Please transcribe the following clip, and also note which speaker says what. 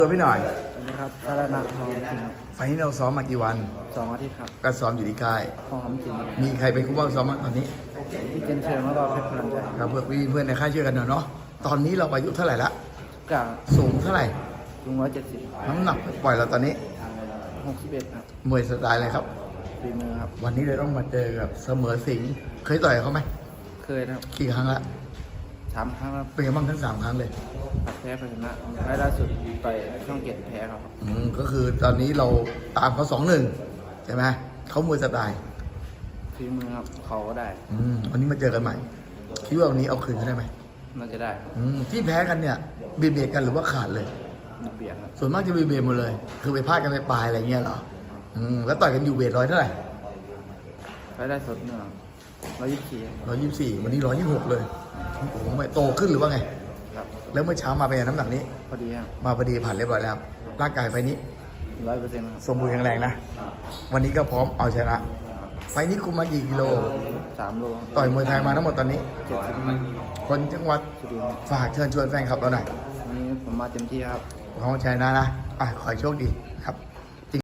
Speaker 1: ตัวพี่หน่อย
Speaker 2: สวัสดีครับสารนักทองจริงครับ
Speaker 1: ไฟล์นี้เราซ้อมมากี่วัน
Speaker 2: 2 อาทิตย์ครับ
Speaker 1: ก็ซ้อมอยู่ที่ค่าย
Speaker 2: ทองคำจริง
Speaker 1: มีใครเป็นคู่บ้างซ้อมบ้างตอนนี้
Speaker 2: ที่เจนเชิญแล้วก็เพชรพลันใจ
Speaker 1: ครับเพื่อนพี่เพื่อนในค่ายช่วยกันหน่อยเนาะตอนนี้เราอายุเท่าไหร่ละ
Speaker 2: กา
Speaker 1: สูงเท่าไหร่
Speaker 2: ลุง170
Speaker 1: น้ำหนักปล่อยเราตอนนี้
Speaker 2: 61ครับ
Speaker 1: มวยสไตล์อะไรครับ
Speaker 2: ฝีมือครับ
Speaker 1: วันนี้เลยต้องมาเจอกับเสมอสิงห์เคยต่อยกับเขาไหม
Speaker 2: เคยนะครับ
Speaker 1: กี่ครั้งละ
Speaker 2: 3 ครั้งครับ
Speaker 1: เป็นไงบ้างทั้ง3 ครั้งเลย
Speaker 2: ผัดแพ้ไปชนะไฟล์ล่าสุดไปช่องเกียรติแพ้ครับ
Speaker 1: ก็คือตอนนี้เราตามเขา2-1ใช่ไหมเขามวยสไตล์
Speaker 2: ฝีมือครับเขาก็ได้
Speaker 1: วันนี้มาเจอกันใหม่คิดว่าวันนี้เอาคืนเขาได้ไหม
Speaker 2: น่าจะได้ครับ
Speaker 1: ที่แพ้กันเนี่ยเบียดเบียดกันหรือว่าขาดเลย
Speaker 2: เบียดครับ
Speaker 1: ส่วนมากจะเบียดเบียดหมดเลย คือไปพลาดกันไปปลายอะไรเงี้ยเหรอแล้วต่อยกันอยู่เวทร้อยเท่าไหร่
Speaker 2: ไฟล์ล่าสุดเนี่ย124
Speaker 1: 124วันนี้126เลยโอ้โหไม่โตขึ้นหรือว่าไง
Speaker 2: ครับ
Speaker 1: แล้วเมื่อเช้ามาเป็นไงน้ำหนักนี้
Speaker 2: พอดีครับ
Speaker 1: มาพอดีผ่านเรียบร้อยแล้วร่างกายไฟนี้
Speaker 2: 100%ครับ
Speaker 1: สมบูรณ์แข็งแรงนะ วันนี้ก็พร้อมเอาชนะ ไฟนี้คุมมากี่กิโล
Speaker 2: 3 โล
Speaker 1: ต่อยมวยไทยมาทั้งหมดตอนนี้
Speaker 2: 70
Speaker 1: คนจังหวัด
Speaker 2: สุรินทร์
Speaker 1: ฝากเชิญชวนแฟนคลับเราหน่อย
Speaker 2: วันนี้ผมมาเต็มที่ครับ
Speaker 1: ขอใจนะขอให้โชคดีครับ